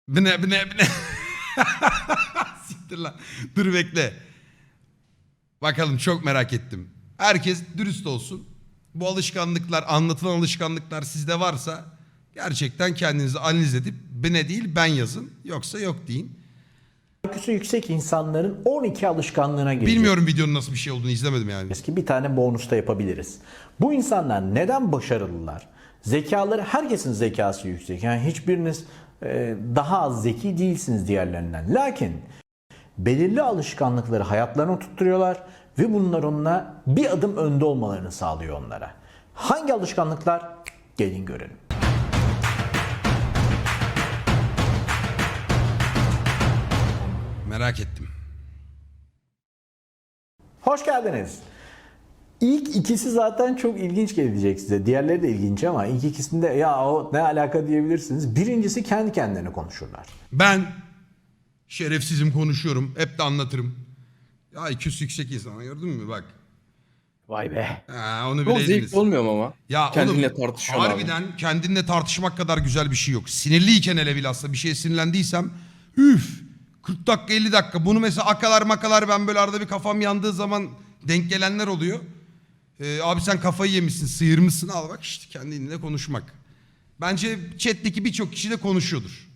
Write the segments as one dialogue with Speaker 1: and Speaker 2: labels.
Speaker 1: Bu ne? Siktir lan. Dur bekle. Bakalım çok merak ettim. Herkes dürüst olsun. Bu alışkanlıklar, anlatılan alışkanlıklar sizde varsa gerçekten kendinizi analiz edip ne değil ben yazın. Yoksa yok deyin.
Speaker 2: IQ'su yüksek insanların 12 alışkanlığına gireceğiz
Speaker 1: Bilmiyorum videonun nasıl bir şey olduğunu izlemedim yani.
Speaker 2: ki bir tane bonusta yapabiliriz. Bu insanlar neden başarılılar? Zekaları, herkesin zekası yüksek. Yani hiçbiriniz daha az zeki değilsiniz diğerlerinden. Lakin belirli alışkanlıkları hayatlarına tutturuyorlar ve bunlar onunla bir adım önde olmalarını sağlıyor onlara. Hangi alışkanlıklar? Gelin görelim.
Speaker 1: Merak ettim.
Speaker 2: Hoş geldiniz. İlk ikisi zaten çok ilginç gelecek size. Diğerleri de ilginç ama ilk ikisinde ya o ne alaka diyebilirsiniz. Birincisi kendi kendilerine konuşurlar.
Speaker 1: Ben şerefsizim konuşuyorum. Hep de anlatırım. Ya IQ'su yüksek insan gördün mü bak.
Speaker 3: Vay be.
Speaker 1: Ha, onu
Speaker 4: Çok
Speaker 1: bileydiniz.
Speaker 4: zevkli olmuyor mu ama?
Speaker 1: Ya
Speaker 4: Kendinle
Speaker 1: oğlum,
Speaker 4: tartışıyorsun abi.
Speaker 1: harbiden kendinle tartışmak kadar güzel bir şey yok. Sinirliyken hele bilhassa bir şeye sinirlendiysem üf 40 dakika 50 dakika bunu mesela akalar makalar ben böyle arada bir kafam yandığı zaman denk gelenler oluyor. Abi sen kafayı yemişsin sıyırmışsın al bak işte kendinle konuşmak. Bence chat'teki birçok kişi de konuşuyordur.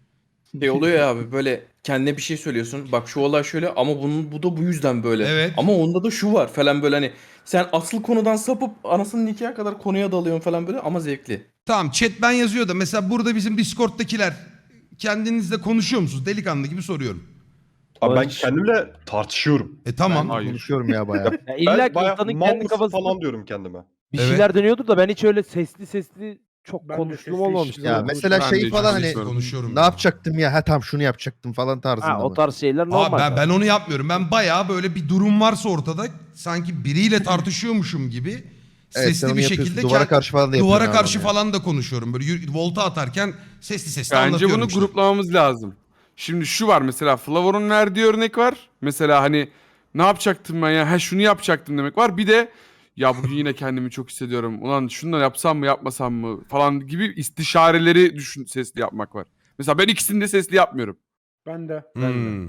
Speaker 4: Şey oluyor ya abi böyle kendine bir şey söylüyorsun. Bak şu olay şöyle ama bu da bu yüzden böyle.
Speaker 1: Evet.
Speaker 4: Ama onda da şu var falan böyle hani sen asıl konudan sapıp anasının nikahı kadar konuya dalıyorsun falan böyle ama zevkli.
Speaker 1: Tamam chat ben yazıyor da mesela burada bizim Discord'dakiler kendinizle konuşuyor musunuz? Delikanlı gibi soruyorum.
Speaker 5: Abi ben kendimle tartışıyorum.
Speaker 1: Tamam.
Speaker 6: Ben konuşuyorum ya bayağı.
Speaker 3: Ya illa
Speaker 5: Ben
Speaker 3: ki
Speaker 5: bayağı
Speaker 3: insanın
Speaker 5: mal
Speaker 3: kendi
Speaker 5: mısın
Speaker 3: kafasında
Speaker 5: falan diyorum kendime.
Speaker 3: bir
Speaker 1: Evet.
Speaker 3: şeyler dönüyordur da ben hiç öyle sesli çok
Speaker 7: Ben de
Speaker 3: konuştuğum
Speaker 7: sesli
Speaker 3: olmamıştı.
Speaker 7: işte.
Speaker 6: Ya
Speaker 3: Öyle
Speaker 6: mesela
Speaker 8: Ben de
Speaker 6: şey
Speaker 8: hiç
Speaker 6: falan hani
Speaker 8: konuşmuyorum.
Speaker 1: Konuşuyorum.
Speaker 6: ne yapacaktım ya? Ha tam şunu yapacaktım falan tarzında
Speaker 3: Ha, o
Speaker 6: mı?
Speaker 3: tarz şeyler normal.
Speaker 1: Abi ben onu yapmıyorum. Ben bayağı böyle bir durum varsa ortada sanki biriyle tartışıyormuşum gibi
Speaker 6: Evet, sen
Speaker 1: sesli
Speaker 6: onu
Speaker 1: bir
Speaker 6: yapıyorsun.
Speaker 1: şekilde
Speaker 6: Duvara karşı falan da
Speaker 1: duvara
Speaker 6: yapıyorsun
Speaker 1: karşı
Speaker 6: abi
Speaker 1: falan da konuşuyorum. Böyle volta atarken sesli
Speaker 8: Bence
Speaker 1: anlatıyorum
Speaker 8: bunu
Speaker 1: işte.
Speaker 8: gruplamamız lazım. Şimdi şu var mesela Flavor'un verdiği örnek var. Mesela hani ne yapacaktım ben ya? Ha şunu yapacaktım demek var. Bir de ya bugün yine kendimi çok hissediyorum. Ulan şunu da yapsam mı yapmasam mı falan gibi istişareleri sesli yapmak var. Mesela ben ikisini de sesli yapmıyorum.
Speaker 7: Ben de.
Speaker 1: Hmm.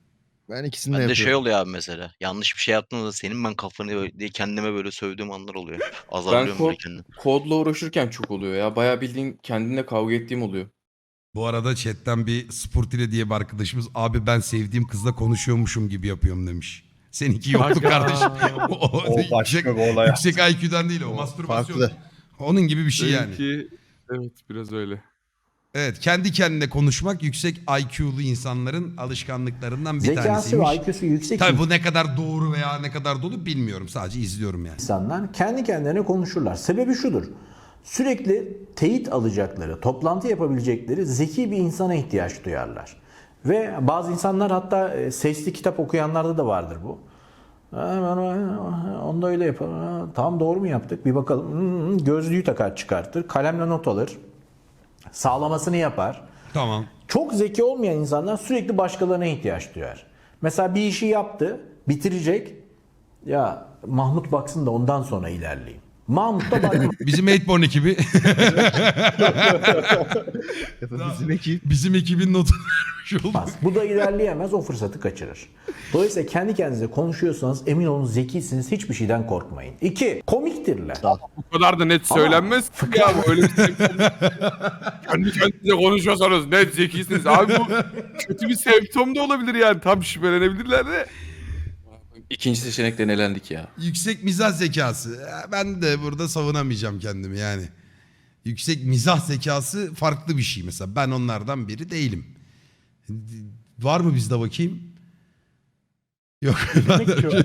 Speaker 6: Ben ikisini de
Speaker 9: Ben de şey
Speaker 6: yapıyorum.
Speaker 9: oluyor abi mesela. Yanlış bir şey yaptığımda senin ben kafanı diye kendime böyle sövdüğüm anlar oluyor. Azarlıyorum böyle kendimi.
Speaker 4: Kodla uğraşırken çok oluyor ya. Bayağı bildiğin kendimle kavga ettiğim oluyor.
Speaker 1: Bu arada chatten bir Sportile diye bir arkadaşımız abi ben sevdiğim kızla konuşuyormuşum gibi yapıyorum demiş. Seninki yoktu kardeşim.
Speaker 5: O başka bir olay.
Speaker 1: Yüksek IQ'dan değil o mastürbasyon.
Speaker 6: Farklı.
Speaker 1: Onun gibi bir şey yani.
Speaker 8: Benimki evet biraz öyle.
Speaker 1: Evet kendi kendine konuşmak yüksek IQ'lu insanların alışkanlıklarından bir
Speaker 2: Zekası
Speaker 1: tanesiymiş.
Speaker 2: ve IQ'su yüksek
Speaker 1: Tabii bu ne kadar doğru veya ne kadar dolu bilmiyorum. Sadece izliyorum yani.
Speaker 2: insanlar kendi kendilerine konuşurlar. Sebebi şudur. Sürekli teyit alacakları, toplantı yapabilecekleri zeki bir insana ihtiyaç duyarlar. Ve bazı insanlar hatta sesli kitap okuyanlarda da vardır bu. Onda öyle yapar. Tamam doğru mu yaptık? Bir bakalım. Gözlüğü takar çıkartır. Kalemle not alır. Sağlamasını yapar.
Speaker 1: Tamam.
Speaker 2: Çok zeki olmayan insanlar sürekli başkalarına ihtiyaç duyar. Mesela bir işi yaptı, bitirecek. Ya Mahmut baksın da ondan sonra ilerleyeyim. Mahmut da bakmaz.
Speaker 1: Bizim 8born ekibi.
Speaker 6: Bizim ekip.
Speaker 1: Bizim ekibin notunu vermiş olduk.
Speaker 2: Bu da ilerleyemez, o fırsatı kaçırır. Dolayısıyla kendi kendinize konuşuyorsanız emin olun zekisiniz, hiçbir şeyden korkmayın. 2. Komiktirler.
Speaker 8: Bu kadar da net söylenmez ki ya bu öyle bir şey. Kendi kendinize konuşuyorsanız net zekisiniz. Abi bu kötü bir semptom da olabilir yani. Tam şüphelenebilirler de.
Speaker 4: İkinci seçenekten elendik ya.
Speaker 1: Yüksek mizah zekası. Ben de burada savunamayacağım kendimi yani. Yüksek mizah zekası farklı bir şey mesela. Ben onlardan biri değilim. Var mı bizde bakayım? Yok.
Speaker 7: Demek ki o.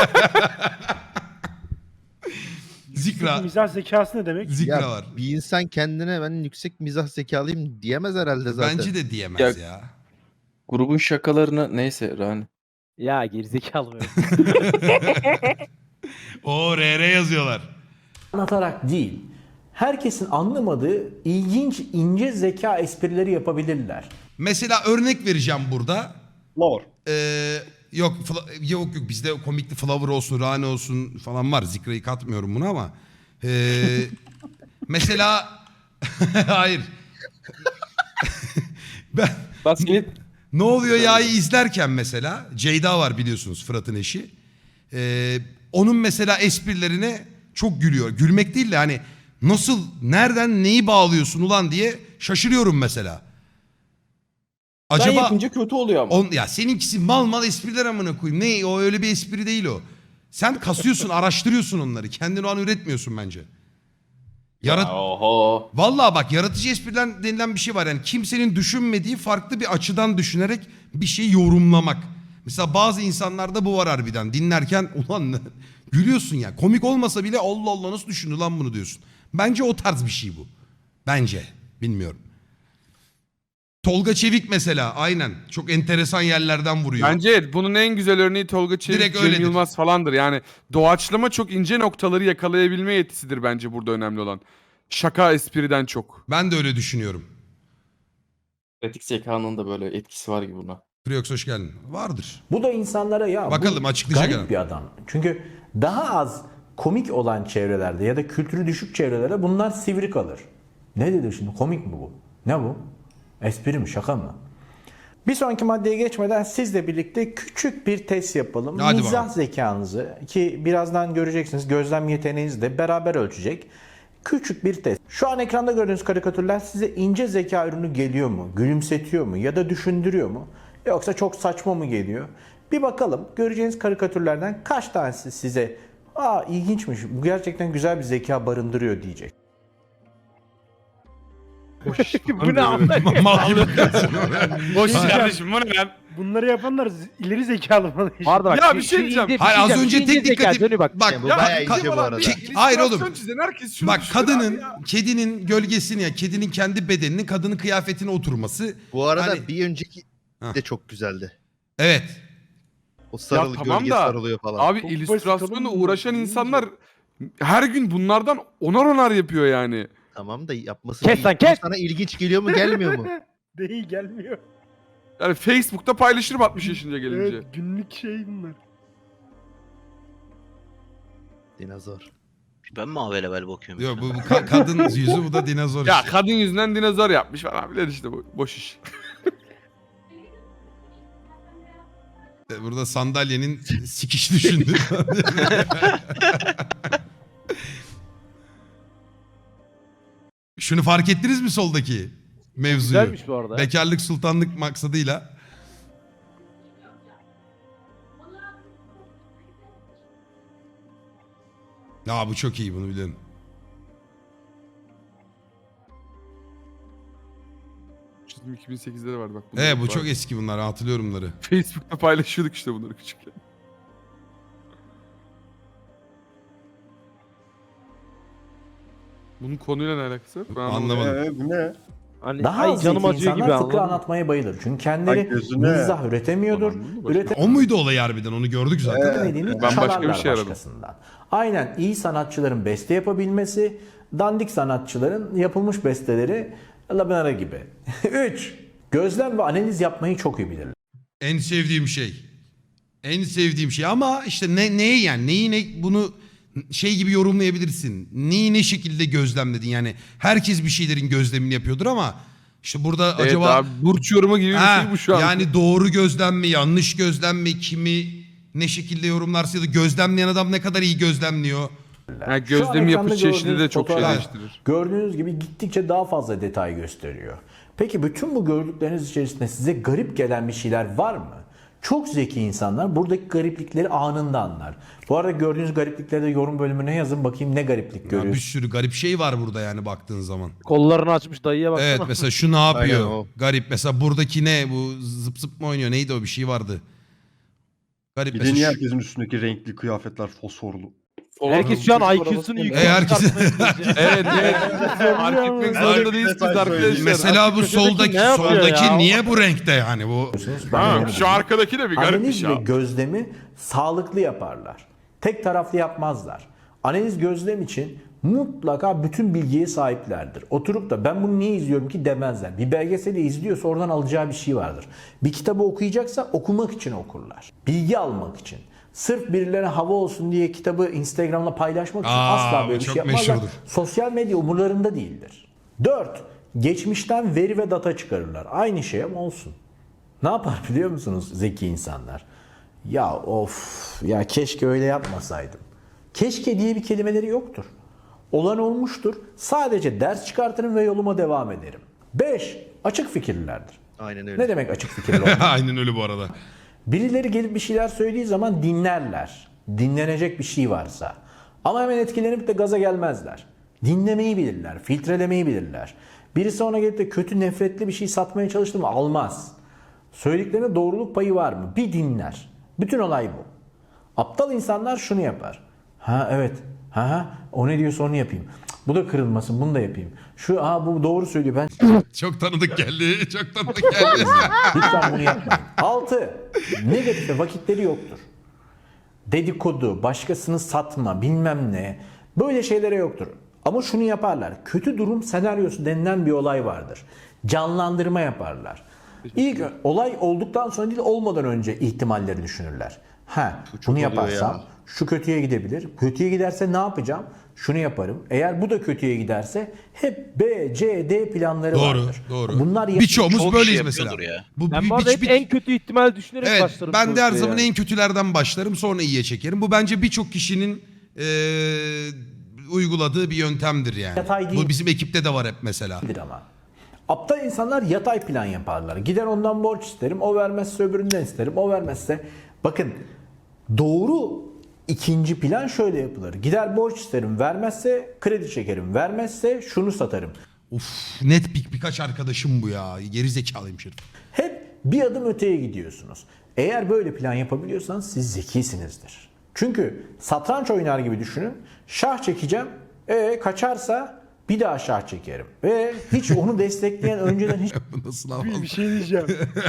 Speaker 1: Zikra.
Speaker 7: Mizah zekası ne demek?
Speaker 1: Zikra
Speaker 6: Ya
Speaker 1: var.
Speaker 6: bir insan kendine ben yüksek mizah zekalıyım diyemez herhalde zaten.
Speaker 1: Bence de diyemez ya.
Speaker 4: Grubun şakalarını neyse Rani.
Speaker 3: Ya gerizekalı mı?
Speaker 1: O RR yazıyorlar.
Speaker 2: Anlatarak değil, herkesin anlamadığı ilginç, ince zeka esprileri yapabilirler.
Speaker 1: Mesela örnek vereceğim burada.
Speaker 5: Lor.
Speaker 1: Yok bizde komikli Flavor olsun, Rane olsun falan var. Zikra'yı katmıyorum buna ama. Mesela hayır.
Speaker 4: Rastgele
Speaker 1: Ne oluyor ya'yı izlerken mesela Ceyda var biliyorsunuz, Fırat'ın eşi. Onun mesela esprilerine çok gülüyor. Gülmek değil de hani nasıl, nereden neyi bağlıyorsun ulan diye şaşırıyorum mesela.
Speaker 4: ben
Speaker 1: Acaba
Speaker 4: yapınca kötü oluyor ama.
Speaker 1: ya seninkisi mal mal espriler amına koyayım. Ne o, öyle bir espri değil o. Sen kasıyorsun, araştırıyorsun onları. Kendin o an üretmiyorsun bence.
Speaker 4: Oho.
Speaker 1: Vallahi bak, yaratıcı espriler denilen bir şey var. Yani kimsenin düşünmediği farklı bir açıdan düşünerek bir şey yorumlamak. Mesela bazı insanlarda bu var harbiden. Dinlerken ulan gülüyorsun ya. Komik olmasa bile Allah Allah nasıl düşündü lan bunu diyorsun. Bence o tarz bir şey bu. Bence. Bilmiyorum. Tolga Çevik mesela aynen. Çok enteresan yerlerden vuruyor.
Speaker 8: Bence bunun en güzel örneği Tolga Çevik,
Speaker 1: Direkt
Speaker 8: Cem
Speaker 1: öyledir.
Speaker 8: Yılmaz falandır. Yani doğaçlama çok ince noktaları yakalayabilme yetisidir bence burada önemli olan. Şaka espriden çok.
Speaker 1: Ben de öyle düşünüyorum.
Speaker 4: Pratik zekanın da böyle etkisi var gibi buna.
Speaker 1: Friox hoş geldin. Vardır.
Speaker 2: Bu da insanlara ya
Speaker 1: Bakalım,
Speaker 2: bu
Speaker 1: açıklayacak
Speaker 2: garip
Speaker 1: adam.
Speaker 2: bir adam. Çünkü daha az komik olan çevrelerde ya da kültürü düşük çevrelerde bunlar sivri kalır. Ne dedi şimdi? Komik mi bu? Ne bu? Espri mi? Şaka mı? Bir sonraki maddeye geçmeden sizle birlikte küçük bir test yapalım.
Speaker 1: Hadi
Speaker 2: Mizah
Speaker 1: bakalım.
Speaker 2: zekanızı, ki birazdan göreceksiniz, gözlem yeteneğinizi de beraber ölçecek. Küçük bir test. Şu an ekranda gördüğünüz karikatürler size ince zeka ürünü geliyor mu? Gülümsetiyor mu? Ya da düşündürüyor mu? Yoksa çok saçma mı geliyor? Bir bakalım. Göreceğiniz karikatürlerden kaç tanesi size ilginçmiş, bu gerçekten güzel bir zeka barındırıyor diyecek.
Speaker 3: Bu ne amına?
Speaker 1: Mal gibi.
Speaker 8: Boş kardeşim bu ne lan?
Speaker 7: Bunları yapanlar ileri zekalı mı?
Speaker 3: Pardon bak.
Speaker 8: Ya bir şey diyeceğim.
Speaker 1: Hayır, az önce tek dikkatim.
Speaker 3: Dönü bak.
Speaker 1: Bak
Speaker 6: Bu
Speaker 8: Ya
Speaker 6: bayağı
Speaker 1: ka-
Speaker 6: ince bu arada.
Speaker 1: Hayır oğlum.
Speaker 8: İllüstrasyon çizen herkes şunu
Speaker 1: Bak
Speaker 8: düşünür
Speaker 1: kadının,
Speaker 8: abi ya.
Speaker 1: kedinin gölgesini, ya kedinin kendi bedeninin kadının kıyafetine oturması.
Speaker 6: Bu arada
Speaker 1: Hani-
Speaker 6: bir önceki
Speaker 1: Hah.
Speaker 6: de çok güzeldi.
Speaker 1: Evet.
Speaker 6: O sarılı
Speaker 8: Ya tamam
Speaker 6: gölge
Speaker 8: da,
Speaker 6: sarılıyor falan.
Speaker 8: Abi
Speaker 7: Çok
Speaker 8: illüstrasyonla
Speaker 7: basit
Speaker 8: uğraşan
Speaker 7: oğlum.
Speaker 8: insanlar her gün bunlardan onar yapıyor yani.
Speaker 6: Tamam da yapması
Speaker 3: Kes
Speaker 6: değil.
Speaker 3: lan, kes!
Speaker 6: Bu sana ilginç geliyor mu gelmiyor mu?
Speaker 7: Değil gelmiyor.
Speaker 8: Yani Facebook'ta paylaşırım 60 yaşınca gelince.
Speaker 7: Evet günlük şey bunlar.
Speaker 6: Dinozor.
Speaker 9: Ben mi level bakıyorum?
Speaker 1: Yok, bu kadın yüzü, bu da dinozor
Speaker 8: Ya
Speaker 1: işte.
Speaker 8: kadın yüzünden dinozor yapmış falan filan işte boş iş.
Speaker 1: Burada sandalyenin sikiş düşündü. Şunu fark ettiniz mi soldaki mevzuyu?
Speaker 3: Güzelmiş bu arada.
Speaker 1: Bekarlık sultanlık maksadıyla. Ya bu çok iyi, bunu biliyorum.
Speaker 8: Çizim 2008'de de vardı bak.
Speaker 1: Bu
Speaker 8: var.
Speaker 1: çok eski bunlar, hatırlıyorum bunları.
Speaker 8: Facebook'ta paylaşıyorduk işte bunları küçükken. Bunun konuyla ne alakası var? Ben
Speaker 1: Anlamadım.
Speaker 5: Bu ne?
Speaker 3: Hani
Speaker 2: Daha
Speaker 3: ay
Speaker 2: az
Speaker 3: canım
Speaker 2: zeki
Speaker 3: acıyor gibi
Speaker 2: insanlar fıkra
Speaker 3: anladın mı?
Speaker 2: anlatmaya bayılır. Çünkü kendileri
Speaker 5: Ay gözüne.
Speaker 2: mizah üretemiyordur.
Speaker 8: Ulan, başka-
Speaker 1: O muydu olay harbiden, onu gördük zaten.
Speaker 2: Üretemediğini
Speaker 8: Ben başka bir
Speaker 2: çalarlar
Speaker 8: şey aradım.
Speaker 2: başkasından. Aynen, iyi sanatçıların beste yapabilmesi, dandik sanatçıların yapılmış besteleri labinara gibi. 3. Gözlem ve analiz yapmayı çok iyi bilirler.
Speaker 1: En sevdiğim şey. En sevdiğim şey ama işte neyi yani, bunu şey gibi yorumlayabilirsin. Neyi ne şekilde gözlemledin yani. Herkes bir şeylerin gözlemini yapıyordur ama işte burada
Speaker 8: Evet
Speaker 1: acaba
Speaker 8: abi, burç yorumu gibi bir şey bu şu an.
Speaker 1: yani doğru gözlem mi, yanlış gözlem mi, kimi ne şekilde yorumlarsa ya da gözlemleyen adam ne kadar iyi gözlemliyor.
Speaker 8: Yani
Speaker 2: Şu an
Speaker 8: gözlemi
Speaker 2: ekranda
Speaker 8: yapış çeşidi de
Speaker 2: gördüğünüz
Speaker 8: çok şey
Speaker 2: fotoğraf-
Speaker 8: değiştirir.
Speaker 2: Gördüğünüz gibi gittikçe daha fazla detay gösteriyor. Peki bütün bu gördükleriniz içerisinde size garip gelen bir şeyler var mı? Çok zeki insanlar buradaki gariplikleri anında anlar. Bu arada gördüğünüz gariplikleri de yorum bölümüne yazın, bakayım ne gariplik
Speaker 1: Ya bir
Speaker 2: görüyorsunuz.
Speaker 1: sürü garip şey var burada yani baktığın zaman.
Speaker 3: Kollarını açmış dayıya baksana.
Speaker 1: Evet, mesela şu ne yapıyor?
Speaker 6: Aynen o.
Speaker 1: Garip. Mesela buradaki ne? Bu zıp zıp mı oynuyor? Neydi o, bir şey vardı. Garip
Speaker 5: Bir de
Speaker 1: mesela.
Speaker 5: niye
Speaker 1: şu-
Speaker 5: herkesin üstündeki renkli kıyafetler fosforlu?
Speaker 3: Herkes şu an IQ'sunu yukarı
Speaker 1: herkes-
Speaker 3: çıkartmaya çalışıyor.
Speaker 8: Evet evet. Fark etmek zorunda değilsiniz
Speaker 5: Detay
Speaker 8: arkadaşlar.
Speaker 5: söyleyeyim.
Speaker 1: Mesela bu soldaki
Speaker 3: ne yapıyor
Speaker 1: soldaki
Speaker 3: ya?
Speaker 1: niye bu renkte yani bu?
Speaker 2: Ben
Speaker 8: Ha,
Speaker 2: öyle
Speaker 8: şu arkadaki de bir garip bir
Speaker 2: Analiz
Speaker 8: şey
Speaker 2: ve
Speaker 8: abi.
Speaker 2: gözlemi sağlıklı yaparlar. Tek taraflı yapmazlar. Analiz gözlem için mutlaka bütün bilgiye sahiplerdir. Oturup da ben bunu niye izliyorum ki demezler. Bir belgeseli izliyorsa oradan alacağı bir şey vardır. Bir kitabı okuyacaksa okumak için okurlar. Bilgi almak için. Sırf birilerine hava olsun diye kitabı Instagram'da paylaşmak için
Speaker 1: Aa,
Speaker 2: asla
Speaker 1: bu
Speaker 2: böyle bir
Speaker 1: çok
Speaker 2: şey yapmazlar.
Speaker 1: meşhurdur.
Speaker 2: Sosyal medya umurlarında değildir. 4. Geçmişten veri ve data çıkarırlar. Aynı şey ama olsun. Ne yapar biliyor musunuz zeki insanlar? Ya of ya keşke öyle yapmasaydım. Keşke diye bir kelimeleri yoktur. Olan olmuştur. Sadece ders çıkartırım ve yoluma devam ederim. 5. Açık fikirlilerdir.
Speaker 6: Aynen öyle.
Speaker 2: Ne demek açık fikirli olmak?
Speaker 1: Aynen öyle bu arada.
Speaker 2: Birileri gelip bir şeyler söylediği zaman dinlerler. Dinlenecek bir şey varsa. Ama hemen etkilenip de gaza gelmezler. Dinlemeyi bilirler, filtrelemeyi bilirler. Birisi ona gelip de kötü, nefretli bir şey satmaya çalıştı mı almaz. Söylediklerine doğruluk payı var mı? Bir dinler. Bütün olay bu. Aptal insanlar şunu yapar. Ha evet. Ha o ne diyorsa onu yapayım. Cık, bu da kırılmasın, bunu da yapayım. Bu doğru söylüyor. Ben
Speaker 1: Çok tanıdık geldi. Çok tanıdık geldi.
Speaker 2: lütfen bunu yapmayın. 6. Negatife vakitleri yoktur. Dedikodu, başkasını satma, bilmem ne. Böyle şeylere yoktur. Ama şunu yaparlar. Kötü durum senaryosu denilen bir olay vardır. Canlandırma yaparlar. İlk olay olduktan sonra değil olmadan önce ihtimalleri düşünürler. Bunu yaparsam şu kötüye gidebilir. Kötüye giderse ne yapacağım? Şunu yaparım. Eğer bu da kötüye giderse hep B, C, D planları
Speaker 1: Doğru,
Speaker 2: vardır.
Speaker 1: doğru.
Speaker 2: Bunlar
Speaker 1: Birçoğumuz
Speaker 9: Çok
Speaker 1: böyleyiz
Speaker 9: şey
Speaker 1: mesela.
Speaker 9: yapıyordur ya.
Speaker 3: Ben bu arada hep en kötü ihtimal düşünerek
Speaker 1: Evet,
Speaker 3: başlarım.
Speaker 1: ben de her
Speaker 3: sonuçta
Speaker 1: zaman
Speaker 3: yani.
Speaker 1: en kötülerden başlarım, sonra iyiye çekerim. Bu bence birçok kişinin uyguladığı bir yöntemdir yani.
Speaker 2: Yatay değil.
Speaker 1: Bu bizim ekipte de var hep mesela.
Speaker 2: ama. Aptal insanlar yatay plan yaparlar. Gider ondan borç isterim, o vermezse öbüründen isterim, o vermezse. Bakın doğru ikinci plan şöyle yapılır. Gider borç isterim, vermezse kredi çekerim, vermezse şunu satarım.
Speaker 1: Uf, net birkaç arkadaşım bu ya. Geri zekalıymış herif.
Speaker 2: Hep bir adım öteye gidiyorsunuz. Eğer böyle plan yapabiliyorsanız siz zekisinizdir. Çünkü satranç oynar gibi düşünün. Şah çekeceğim, kaçarsa bir daha şah çekerim. Ve hiç onu destekleyen önceden hiç
Speaker 1: Bu nasıl havalı?
Speaker 7: Bir şey diyeceğim.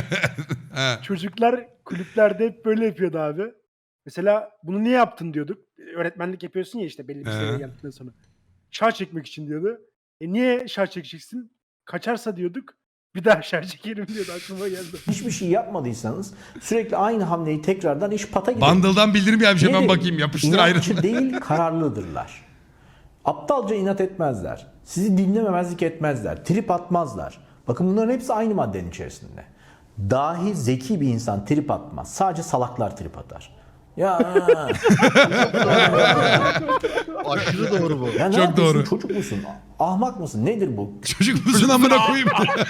Speaker 7: Çocuklar kulüplerde hep böyle yapıyordu abi. Mesela bunu niye yaptın diyorduk. Öğretmenlik yapıyorsun ya işte belli bir seviyeye geldikten sonra. Şah çekmek için diyordu. Niye şah çekeceksin? Kaçarsa diyorduk. Bir daha şah çekerim diyordu, aklıma geldi.
Speaker 2: hiçbir şey yapmadıysanız sürekli aynı hamleyi tekrardan iş pata gider.
Speaker 1: Bundle'dan bildirim gelmiş, hemen
Speaker 2: Nedir?
Speaker 1: bakayım. Yapıştır
Speaker 2: İnatçı
Speaker 1: ayrı.
Speaker 2: değil, kararlıdırlar. Aptalca inat etmezler. Sizi dinlememezlik etmezler. Trip atmazlar. Bakın bunların hepsi aynı maddenin içerisinde. Dahi zeki bir insan trip atmaz. Sadece salaklar trip atar. Ya,
Speaker 6: Aşırı doğru bu.
Speaker 2: ya ne
Speaker 1: Çok
Speaker 2: yapıyorsun?
Speaker 1: doğru.
Speaker 2: Çocuk musun? Ahmak mısın? Nedir bu?
Speaker 1: Çocuk musun amına koyayım?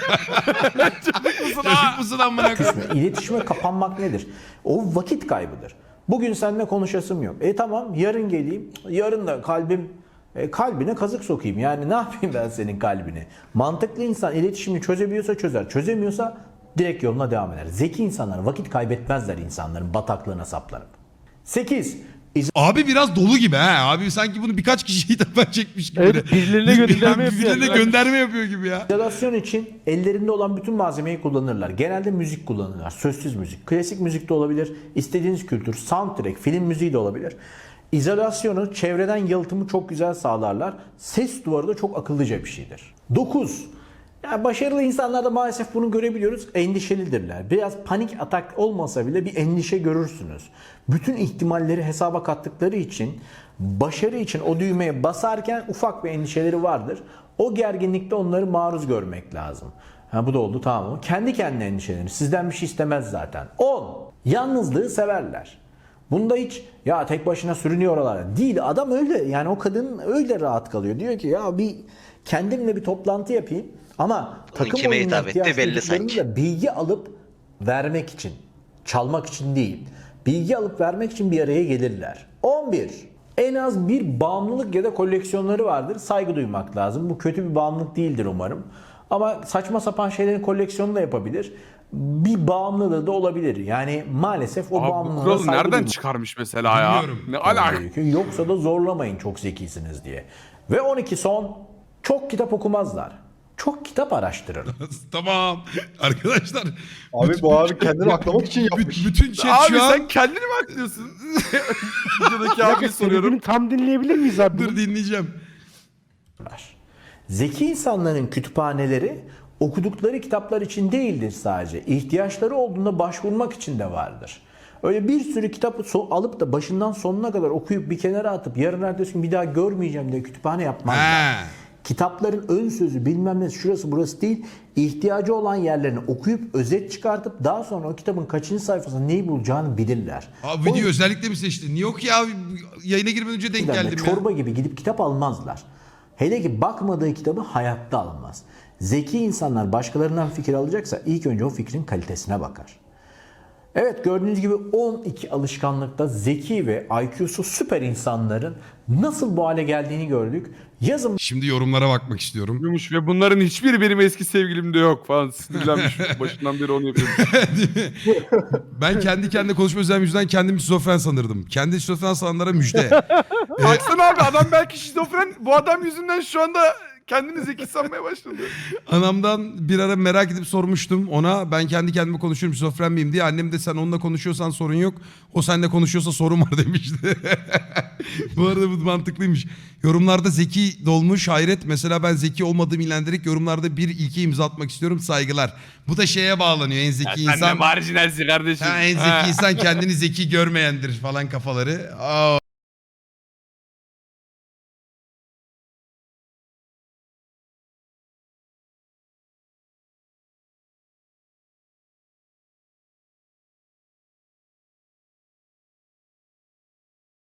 Speaker 1: Çocuk musun amına koyayım?
Speaker 2: İletişime kapanmak nedir? O vakit kaybıdır. Bugün seninle konuşasım yok. Tamam yarın geleyim. Yarın da kalbine kazık sokayım. Yani ne yapayım ben senin kalbine? Mantıklı insan iletişimini çözebiliyorsa çözer. Çözemiyorsa direkt yoluna devam eder. Zeki insanlar vakit kaybetmezler insanların bataklığına saplanıp. 8.
Speaker 1: Abi biraz dolu gibi ha. Abi sanki bunu birkaç kişiye hitap çekmiş gibi.
Speaker 3: Evet, birilerine gönderme yapıyor.
Speaker 1: Birilerine gönderme yapıyor gibi ya.
Speaker 2: İzolasyon için ellerinde olan bütün malzemeyi kullanırlar. Genelde müzik kullanırlar. Sözsüz müzik. Klasik müzik de olabilir. İstediğiniz kültür, soundtrack, film müziği de olabilir. İzolasyonu, çevreden yalıtımı çok güzel sağlarlar. Ses duvarı da çok akıllıca bir şeydir. 9. Yani başarılı insanlarda maalesef bunu görebiliyoruz. Endişelidirler. Biraz panik atak olmasa bile bir endişe görürsünüz. Bütün ihtimalleri hesaba kattıkları için başarı için o düğmeye basarken ufak bir endişeleri vardır. O gerginlikte onları maruz görmek lazım. Bu da oldu, tamam mı? Kendi kendine endişelenir. Sizden bir şey istemez zaten. 10. Yalnızlığı severler. Bunda hiç ya tek başına sürünüyor oralara. Değil, adam öyle, yani o kadın öyle rahat kalıyor. Diyor ki ya bir kendimle bir toplantı yapayım. Ama takım
Speaker 9: kime
Speaker 2: oyununa
Speaker 9: hitap etti
Speaker 2: ihtiyaç
Speaker 9: belli
Speaker 2: duyduklarını
Speaker 9: sanki.
Speaker 2: da bilgi alıp vermek için, çalmak için değil. Bilgi alıp vermek için bir araya gelirler. 11. En az bir bağımlılık ya da koleksiyonları vardır. Saygı duymak lazım. Bu kötü bir bağımlılık değildir umarım. Ama saçma sapan şeylerin koleksiyonunu da yapabilir. Bir bağımlılığı da olabilir. Yani maalesef o
Speaker 8: Abi bu
Speaker 2: bağımlılığa
Speaker 8: kuralı
Speaker 2: saygı
Speaker 8: nereden
Speaker 2: duymak
Speaker 8: çıkarmış mesela ya?
Speaker 1: Bilmiyorum.
Speaker 8: Ne alaka?
Speaker 2: gerekiyor. Yoksa da zorlamayın çok zekisiniz diye. Ve 12 son, çok kitap okumazlar. Çok kitap araştırır.
Speaker 1: Tamam. Arkadaşlar.
Speaker 5: Abi bu abi kendini aklamak için yapmış.
Speaker 1: Bütün chat
Speaker 8: Abi
Speaker 1: şu an...
Speaker 8: sen kendini mi aklıyorsun? Videodaki
Speaker 7: Bir
Speaker 8: abiye
Speaker 7: dakika,
Speaker 8: soruyorum.
Speaker 7: söylediğini tam dinleyebilir miyiz abi?
Speaker 1: Dur dinleyeceğim.
Speaker 2: Zeki insanların kütüphaneleri okudukları kitaplar için değildir sadece. İhtiyaçları olduğunda başvurmak için de vardır. Öyle bir sürü kitabı alıp da başından sonuna kadar okuyup bir kenara atıp yarın ertesi gün bir daha görmeyeceğim diye kütüphane yapmazlar.
Speaker 1: Ha.
Speaker 2: Kitapların ön sözü bilmem ne şurası burası değil. İhtiyacı olan yerlerini okuyup özet çıkartıp daha sonra o kitabın kaçıncı sayfasında neyi bulacağını bilirler.
Speaker 1: Abi video özellikle mi seçtin? Niye yok ya? Yayına girmeden önce denk geldim ya.
Speaker 2: Çorba gibi gidip kitap almazlar. Hele ki bakmadığı kitabı hayatta almaz. Zeki insanlar başkalarından fikir alacaksa ilk önce o fikrin kalitesine bakar. Evet, gördüğünüz gibi 12 alışkanlıkta zeki ve IQ'su süper insanların nasıl bu hale geldiğini gördük. Yazın
Speaker 1: Şimdi yorumlara bakmak istiyorum.
Speaker 8: Yumuş ve bunların hiçbiri benim eski sevgilimde yok falan. Sinirlenmiş. Başından beri onu yapıyorum.
Speaker 1: Ben kendi kendine konuşma özelliğim yüzünden kendimi şizofren sanırdım. Kendi şizofren sananlara müjde.
Speaker 8: Baksana abi adam belki şizofren. Bu adam yüzünden şu anda kendini zeki sanmaya başladı.
Speaker 1: Anamdan bir ara merak edip sormuştum ona. Ben kendi kendime konuşuyorum şizofren miyim diye. Annem de sen onunla konuşuyorsan sorun yok. O seninle konuşuyorsa sorun var demişti. Bu arada bu mantıklıymış. Yorumlarda zeki dolmuş hayret. Mesela ben zeki olmadığımı ilendirerek yorumlarda bir ilke imza atmak istiyorum. Saygılar. Bu da şeye bağlanıyor. En zeki
Speaker 8: Sen de
Speaker 1: insan...
Speaker 8: marjinalsin kardeşim.
Speaker 1: Ha, en zeki insan kendini zeki görmeyendir falan kafaları. Aa.